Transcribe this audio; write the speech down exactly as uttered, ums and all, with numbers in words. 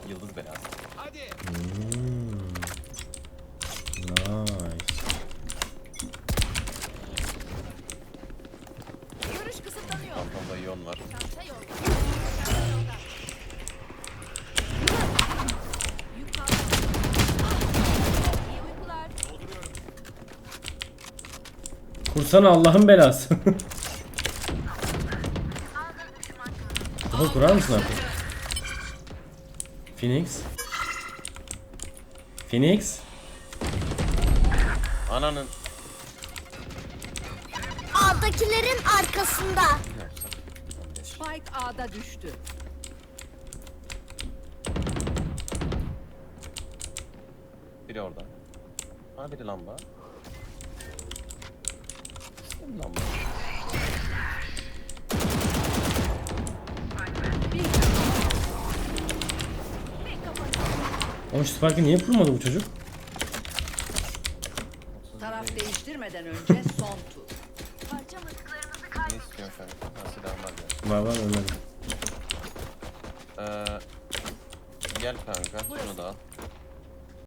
Yıldız belası. Hadi. Hmm. Nice. Görüş kısıtlanıyor. Phantom'da iyon var. Çanta yolda. Çanta yolda. Yük kaldı. İyi uykular. Dolduruyorum. Kursana Allah'ın belası. Kafa kurar mısın artık? Phoenix. Phoenix. Ananın. A'dakilerin arkasında. Spike A'da düştü. Biri orada. Ha biri lamba. İşte bir lamba. Oğlum şu Spike'ı niye kurmadı bu çocuk? Taraf değiştirmeden önce son tur. Parça mızıklarımızı Ne kaybettik. istiyorsun kanka? Ha silahım var ya. Var var ölmedim. Ee, gel kanka şunu da al.